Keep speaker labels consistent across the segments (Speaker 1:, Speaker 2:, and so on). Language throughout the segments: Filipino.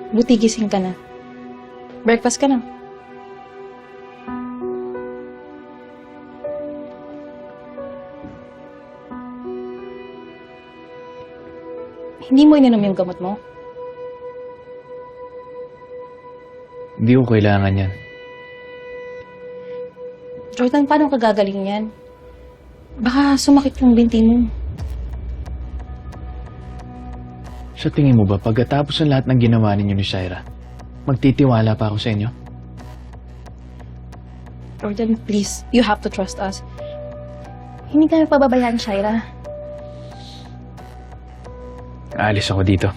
Speaker 1: Buti gising ka na. Breakfast ka na. Hindi mo ininom yung gamot mo?
Speaker 2: Hindi ko kailangan yan.
Speaker 1: Jordan, paano ka gagaling yan? Baka sumakit yung binti mo.
Speaker 2: Sa tingin mo ba, pagkatapos ng lahat ng ginawa ninyo ni Shaira, magtitiwala pa ako sa inyo?
Speaker 1: Jordan, please. You have to trust us. Hindi kami pababayaan, Shaira.
Speaker 2: Aalis ako dito.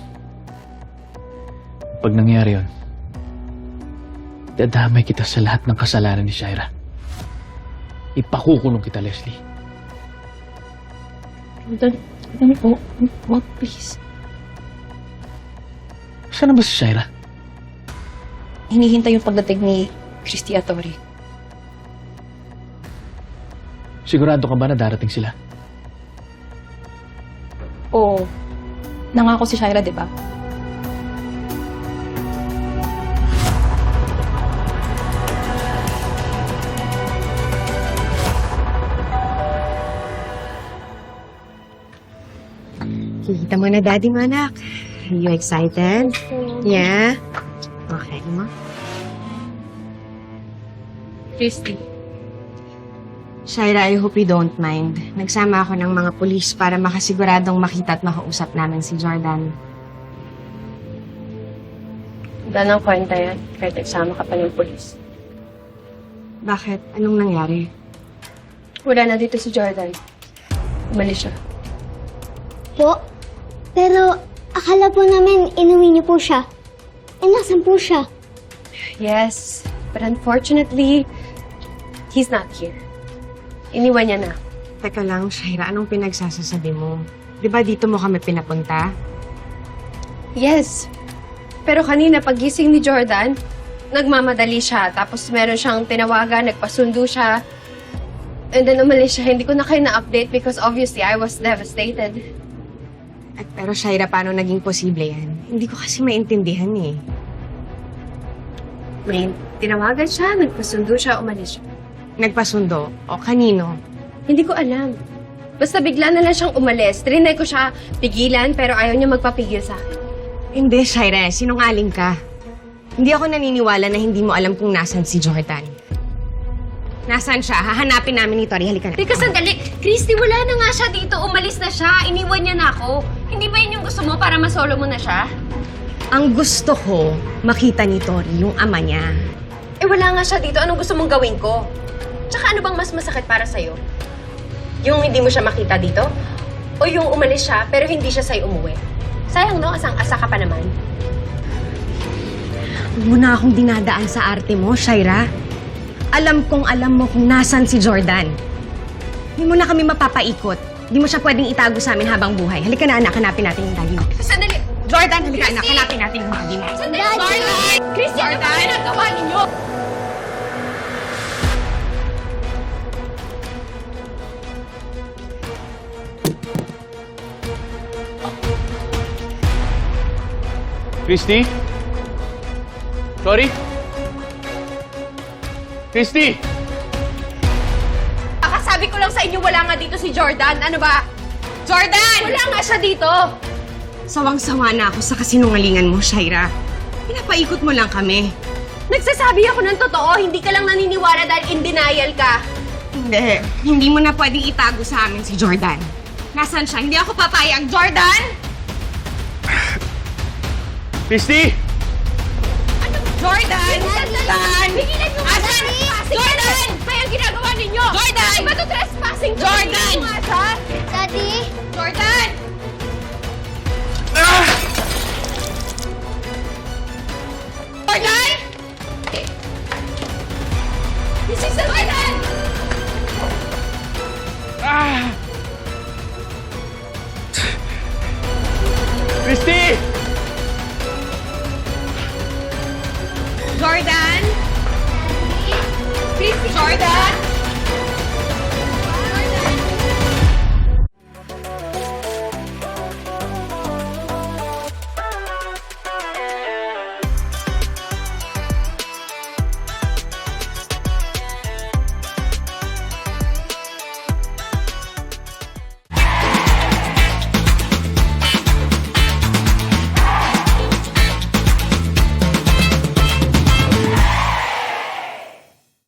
Speaker 2: Pag nangyari yun, dadamay kita sa lahat ng kasalanan ni Shaira. Ipakukulong kita, Leslie.
Speaker 1: Jordan, wag, please.
Speaker 2: Saan na ba si Shaira?
Speaker 1: Hinihintay yung pagdating ni Christy at Tori.
Speaker 2: Sigurado ka ba na darating sila?
Speaker 1: Oo. Nangako si Shaira, di ba?
Speaker 3: Kita mo na, Daddy mo, anak. Are you excited? Yeah? Okay, mo?
Speaker 1: Christy.
Speaker 3: Shaira, I hope you don't mind. Nagsama ako ng mga pulis para makasiguradong makita at makausap namin si Jordan.
Speaker 4: Wala nang kwenta yan, kahit nagsama ka pa ng polis.
Speaker 3: Bakit? Anong nangyari?
Speaker 4: Wala na dito si Jordan. Umalis siya.
Speaker 5: Po? Pero akala po namin inuwi niyo po siya. Eh, nasan po siya?
Speaker 4: Yes, but unfortunately, he's not here. Iniwan niya na.
Speaker 3: Teka lang, Shaira, anong pinagsasasabi mo? Di ba dito mo kami pinapunta?
Speaker 4: Yes, pero kanina pagising ni Jordan, nagmamadali siya. Tapos meron siyang tinawagan, nagpasundo siya. And then umalis siya. Hindi ko na kayo na-update because obviously I was devastated.
Speaker 3: Pero Shaira, paano naging posible yan? Hindi ko kasi maintindihan eh.
Speaker 4: May tinawagan siya, nagpasundo siya, umalis siya.
Speaker 3: Nagpasundo? O kanino?
Speaker 4: Hindi ko alam. Basta bigla na lang siyang umalis. Trinay ko siya pigilan pero ayaw niya magpapigil sa akin.
Speaker 3: Hindi, Shaira. Sinungaling ka. Hindi ako naniniwala na hindi mo alam kung nasan si Jordan. Nasaan siya? Hahanapin namin ni Tori. Halika na.
Speaker 4: Teka, sandali. Christy, wala na nga siya dito. Umalis na siya. Iniwan niya na ako. Hindi ba yun yung gusto mo para masolo mo na siya?
Speaker 3: Ang gusto ko, makita ni Tori yung ama niya.
Speaker 4: Eh, wala nga siya dito. Anong gusto mong gawin ko? Tsaka ano bang mas masakit para sa'yo? Yung hindi mo siya makita dito? O yung umalis siya pero hindi siya sa'yo umuwi? Sayang no, asang-asa ka pa naman.
Speaker 3: Huwag mo na akong dinadaan sa arte mo, Shaira. Alam kong alam mo kung nasan si Jordan. Hindi mo na kami mapapaikot. Hindi mo siya pwedeng itago sa amin habang buhay. Halika na, anak. Hanapin natin yung daddy mo.
Speaker 4: Sandali!
Speaker 3: Jordan, halika, anak. Hanapin natin yung daddy mo.
Speaker 4: Sandali! Jordan! Christy, ano ba ginagawa ninyo?
Speaker 2: Christy? Sorry? Christy!
Speaker 4: Sabi ko lang sa inyo, wala nga dito si Jordan. Ano ba? Jordan! Wala nga siya dito!
Speaker 3: Sawang-sawa na ako sa kasinungalingan mo, Shaira. Pinapaikot mo lang kami.
Speaker 4: Nagsasabi ako ng totoo, hindi ka lang naniniwala dahil in denial ka.
Speaker 3: Hindi. Hindi mo na pwedeng itago sa amin si Jordan. Nasaan siya? Hindi ako papayag. Jordan!
Speaker 2: Christy!
Speaker 3: Jordan!
Speaker 4: Jordan! Pigilan nyo nga siya! Jordan! Kaya ang ginagawa ninyo! Jordan! Iba to trespassing! Jordan! Nga siya!
Speaker 5: Daddy?
Speaker 4: Jordan! Jordan! This is the Jordan!
Speaker 2: Christy!
Speaker 4: Jordan! Christy! Jordan!